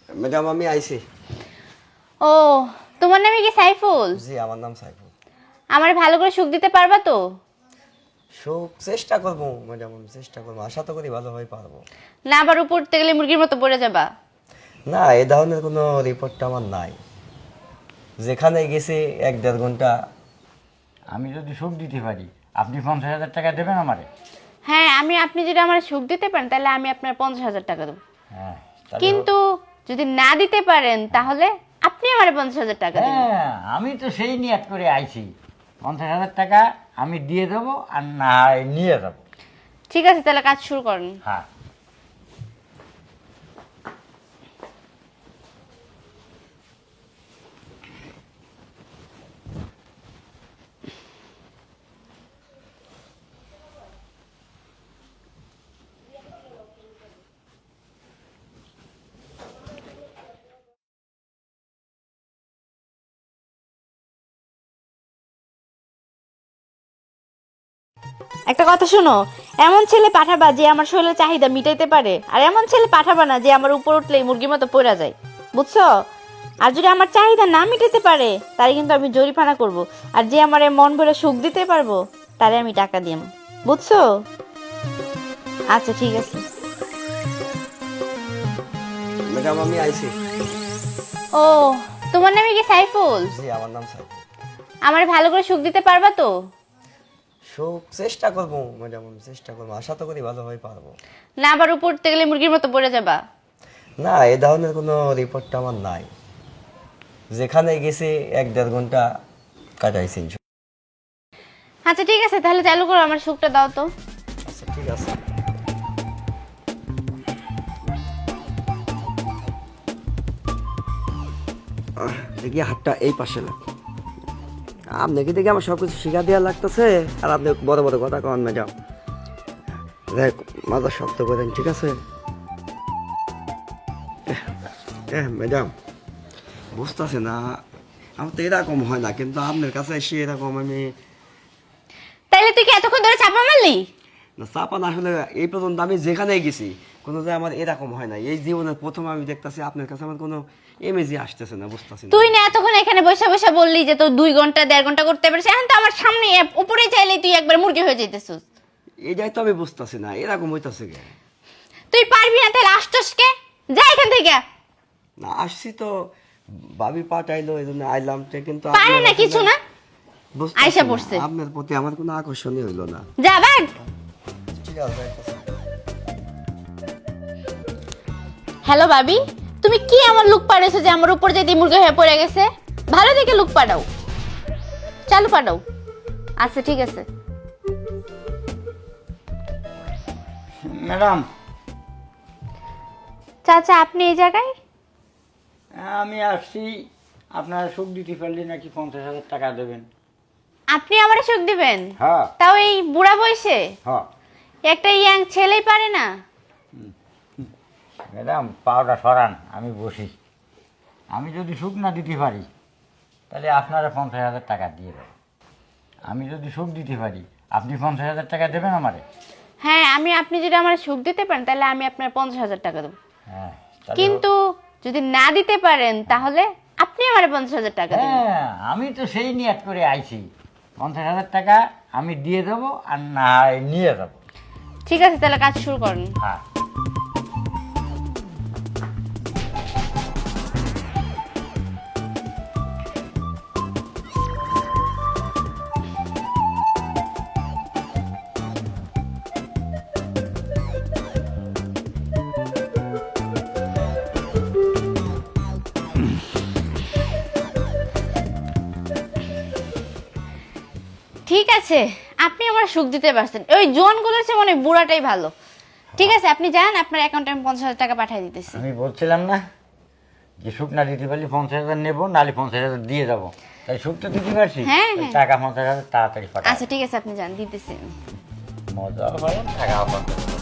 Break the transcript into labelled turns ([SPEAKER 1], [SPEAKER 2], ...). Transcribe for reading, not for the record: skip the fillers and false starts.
[SPEAKER 1] Madam আমি আইছি।
[SPEAKER 2] ও, তোমার নামে কি সাইফুল?
[SPEAKER 1] জি আমার নাম সাইফুল।
[SPEAKER 2] আমার ভালো করে সুখ দিতে পারবা তো?
[SPEAKER 1] সুখ চেষ্টা করবো ম্যাডাম, আমি চেষ্টা করবো, আশা তো করি ভালোভাবে পারবো।
[SPEAKER 2] না আবার উপর উঠতে গেলে মুরগির মতো পড়ে যাবা।
[SPEAKER 1] না এই ধরনের কোনো রিপোর্টটা আমার নাই। যেখানে গেছি 1-1.5 ঘন্টা।
[SPEAKER 3] আমি যদি সুখ দিতে পারি আপনি 50,000 টাকা দেবেন আমারে?
[SPEAKER 2] হ্যাঁ, আপনি যদি আমার সুখ দিতে পারেন তাহলে আমি আপনার 50,000 টাকা দেবো।
[SPEAKER 3] হ্যাঁ তাহলে
[SPEAKER 2] কিন্তু যদি না দিতে পারেন তাহলে আপনি আমার 50,000 টাকা দেবেন।
[SPEAKER 3] হ্যাঁ আমি তো সেই নিয়ত করে আইছি, 50,000 টাকা আমি দিয়ে দেবো আর না হয় নিয়ে যাবো।
[SPEAKER 2] ঠিক আছে, তাহলে কাজ শুরু করেন।
[SPEAKER 3] হ্যাঁ
[SPEAKER 2] একটা কথা শোনো, এমন ছেলে পাঠাবা যে আমার শরীরের চাহিদা মিটাইতে পারে, আর এমন ছেলে পাঠাবা না যে আমার উপর উঠলেই মুরগির মতো পড়া যায়, বুঝছো? আর যদি আমার চাহিদা না মিটাতে পারে তারে কিন্তু আমি জরিমানা করব, আর যে আমার মন ভরে সুখ দিতে পারবো তারে আমি টাকা দিম, বুঝছো? আচ্ছা ঠিক আছে।
[SPEAKER 1] ম্যাডাম আমি আইছি।
[SPEAKER 2] ও, তোমার নামে কি সাইফুল?
[SPEAKER 1] জি আমার নাম সাইফুল।
[SPEAKER 2] আমার ভালো করে সুখ দিতে পারবা তো?
[SPEAKER 1] সুখ চেষ্টা করবো ম্যাডাম, আমি চেষ্টা করবো, আশা তো করি ভালোভাবে পারবো।
[SPEAKER 2] না আবার উপর উঠতে গেলে মুরগির মতো পড়ে যাবা।
[SPEAKER 1] না এই ধরনের কোনো রিপোর্টটা আমার নাই। যেখানে গেছি 1-1.5 ঘন্টা কাটাইছি।
[SPEAKER 2] আচ্ছা ঠিক আছে, তাহলে চালু করো, আমার সুখটা দাও তো।
[SPEAKER 1] আচ্ছা ঠিক আছে। দেখি হাতটা এই পাশে লাগ। আপনাকে দেখি আমার সব কিছু শিখা দেওয়া লাগতেছে, আর আপনি বড় বড় কথা কন ম্যাডাম। দেখ মাথা শক্ত করেন, ঠিক আছে? ম্যাডাম বুঝতেছে না, আমার তো এরকম হয় না, কিন্তু আপনার কাছে এসে এরকম আমি
[SPEAKER 2] তাইলে তুই কি এতক্ষণ ধরে চাপা মারলি?
[SPEAKER 1] না চাপা না, আসলে এই পর্যন্ত আমি যেখানেই গেছি কোনো যে আমার এরকম হয় না। এই জীবনের প্রথম আমি দেখতেছি আপনার কাছে আমার কোনো এমেজি আসতেছে না, বুঝতেছি না।
[SPEAKER 2] তুই না এতক্ষণ এখানে বসে বসে বললি যে তোর 2 ঘন্টা 1.5 ঘন্টা করতে পারছিস, এখন তো আমার সামনে উপরে চাইলেই তুই একবার মুরগি হয়ে যাইতেছিস।
[SPEAKER 1] এটাই তো আমি বুঝতেছি না, এরকম হইতাছে কে?
[SPEAKER 2] তুই পারবি না তাহলে আসছস কে? যা এখান থেকে।
[SPEAKER 1] না আসছি তো, ভাবি পাঠাইলো এই জন্য আইলাম, কিন্তু
[SPEAKER 2] পারে
[SPEAKER 1] আপনার
[SPEAKER 2] না
[SPEAKER 1] আসলে
[SPEAKER 2] কিছু না,
[SPEAKER 1] বুঝতাছি
[SPEAKER 2] আইসা
[SPEAKER 1] না,
[SPEAKER 2] পড়ছে।
[SPEAKER 1] আপনার প্রতি আমার কোনো আকর্ষণই হইলো না।
[SPEAKER 2] যা ভাগ।
[SPEAKER 1] ঠিক আছে যাইতাছি।
[SPEAKER 2] হ্যালো ভাবি, তুমি কি আমার লুক পাড়াইছো যে আমার উপর যেদি মুরগি হয়ে পড়ে গেছে? ভালো দেখে লুক পাঠাও, চালু পাঠাও। আচ্ছা ঠিক আছে।
[SPEAKER 3] ম্যাডাম
[SPEAKER 2] চাচা আপনি এই জায়গায়?
[SPEAKER 3] আমি আসছি, আপনারা সুখ দিতে পারলে নাকি 50,000 টাকা দেবেন।
[SPEAKER 2] আপনি আমারে সুখ দিবেন?
[SPEAKER 3] হ্যাঁ
[SPEAKER 2] তাও এই বুড়া বয়সে?
[SPEAKER 3] হ্যাঁ
[SPEAKER 2] একটা ইয়াং ছেলেই পারে না?
[SPEAKER 3] ম্যাডাম পাওটা সরান, আমি বসি। আমি যদি সুখ না দিতে পারি তাহলে আপনারা 50,000 টাকা দিয়ে দেবেন। আমি যদি সুখ দিতে পারি আপনি 50,000 টাকা দেবেন আমারে?
[SPEAKER 2] হ্যাঁ, আপনি যদি আমার সুখ দিতে পারেন তাহলে আমি আপনার 50,000 টাকা দেবো।
[SPEAKER 3] হ্যাঁ তাহলে
[SPEAKER 2] কিন্তু যদি না দিতে পারেন তাহলে আপনি আমার 50,000 টাকা দেবেন।
[SPEAKER 3] হ্যাঁ আমি তো সেই নিয়ত করে আইছি, 50,000 টাকা আমি দিয়ে দেবো আর না হয় নিয়ে যাবো।
[SPEAKER 2] ঠিক আছে, তাহলে কাজ শুরু করেন।
[SPEAKER 3] হ্যাঁ
[SPEAKER 2] ঠিক আছে, আপনি আমার সুখ দিতে পারছেন, ওই জোয়ানগুলোর চেয়ে মনে হয় বুড়াটাই ভালো। ঠিক আছে, আপনি যান, আপনার অ্যাকাউন্টে আমি 50,000 টাকা পাঠিয়ে দিতেছি।
[SPEAKER 3] আমি বলছিলাম না যে সুখ না দিতে পারলে 50,000 নেবো, নাহলে 50,000 দিয়ে যাবো। তাই সুখ তো দিতে পারছি,
[SPEAKER 2] হ্যাঁ,
[SPEAKER 3] ওই
[SPEAKER 2] হ্যাঁ।
[SPEAKER 3] টাকা 50,000 তাড়াতাড়ি পাঠাবো।
[SPEAKER 2] আচ্ছা ঠিক আছে, আপনি যান, দিতেছি।
[SPEAKER 3] মজাও পাবেন, টাকাও পাবেন।